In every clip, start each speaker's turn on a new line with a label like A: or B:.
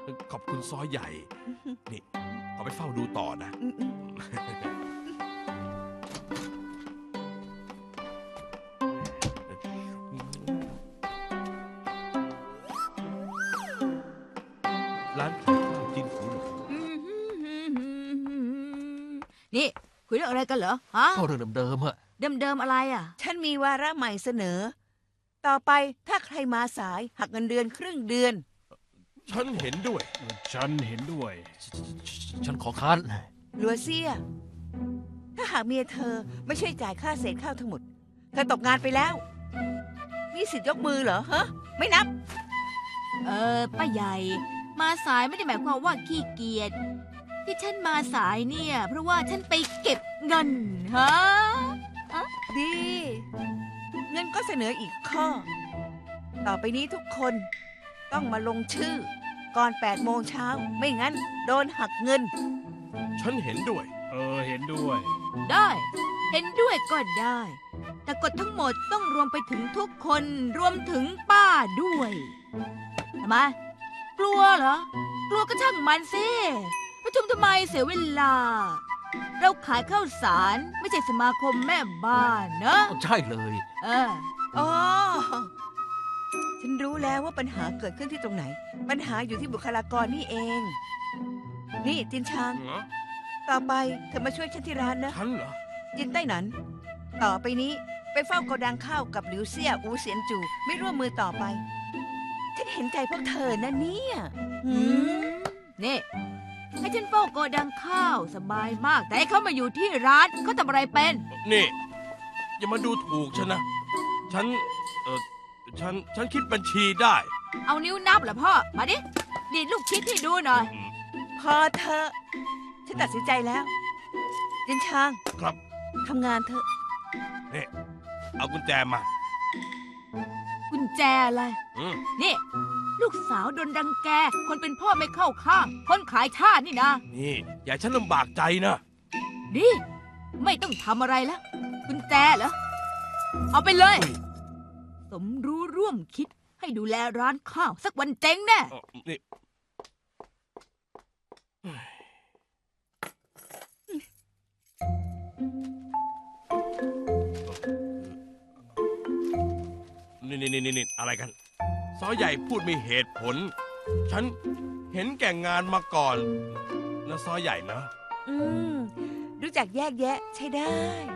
A: ขอบคุณซอใหญ่ นี่ขอไปเฝ้าดูต่อนะ ร้านขายข้าวจิ้นหูหนู
B: นี่คุยเรื่องอะไรกันเหรอฮะ
C: ก็เรื่องเดิมๆอะ
B: เดิมๆอะไรอ่ะ
D: ฉันมีวาระใหม่เสนอ ต่อไปถ้าใครมาสายหักเงินเดือนครึ่งเดือน
A: ฉันเห็นด้วย
E: ฉันเห็นด้วย
C: ฉันขอค้าน
D: ลัวเซีย ถ้าหากเมียเธอไม่ช่วยจ่ายค่าเศษข้าวทั้งหมด เธอตกงานไปแล้ว มีสิทธิ์ยกมือเหรอฮะ ไม่นับ
B: ป้าใหญ่ มาสายไม่ได้หมายความว่าขี้เกียจที่ฉันมาสายเนี่ย เพราะว่าฉันไปเก็บเงินฮะ
D: ดี เงินก็เสนออีกข้อ ต่อไปนี้ทุกคนต้องมาลงชื่อ ก่อน8 โมงเช้า ไม่งั้นโดนหักเงิน
A: ฉันเห็นด้วย
E: เห็นด้วย
B: ได้ เห็นด้วยก็ได้ แต่กฎทั้งหมดต้องรวมไปถึงทุกคนรวมถึงป้าด้วยทำไมกลัวเหรอ กลัวก็ช่างมันสิประชุมทำไมเสียเวลา เราขายข้าวสารไม่ใช่สมาคมแม่บ้านเนอะ
C: ใช่เลย
D: อ๋อ ฉันรู้แล้วว่าปัญหาเกิดขึ้นที่ตรงไหน ปัญหาอยู่ที่บุคลากรนี่เอง นี่จินชาง ต่อไปเธอมาช่วยฉันที่ร้านนะ
A: ฉันเหรอ
D: จินใต้หนัน ต่อไปนี้ไปเฝ้าโกดังข้าวกับหลิวเซี่ยอูเสียนจู ไม่ร่วมมือต่อไป ฉันเห็นใจพวกเธอนะเนี่ยหืม
B: นี่ให้ฉันเฝ้าโกดังข้าวสบายมาก แต่ให้เขามาอยู่ที่ร้านเขาทำอะไรเป็น
A: นี่ อย่ามาดูถูกฉันนะ ฉัน ฉันคิดบัญชีได้
B: เอานิ้วนับเหรอพ่อ มาดิดีดลูกคิดให้ดูหน่อย
D: พอเธอะฉันตัดสินใจแล้ว จินชาง
A: ครับ
D: ทำงานเถอะ
A: นี่ เอากุญแจมา
B: กุญแจอะไร
A: อืม
B: นี่ ลูกสาวโดนรังแก คนเป็นพ่อไม่เข้าข้าง คนขายชาตินี่นะ
A: นี่ อย่าให้ฉันลำบากใจนะ
B: ดิไม่ต้องทำอะไรแล้ว กุญแจเหรอ เอาไปเลย
A: อุ้ย
B: สมรู้ร่วมคิดให้ดูแลร้านข้าว สักวันเจ๊งแน่
A: นี่นี่อะไรกัน ซอใหญ่พูดมีเหตุผล ฉันเห็นแก่งานมาก่อนนะซอใหญ่นะ
D: อืม รู้จักแยกแยะใช้ได้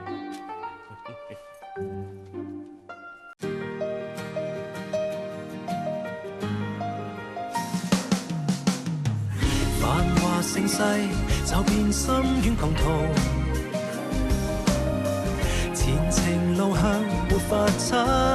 F: 繁華盛世，就變深淵狂濤。前程路向沒法測。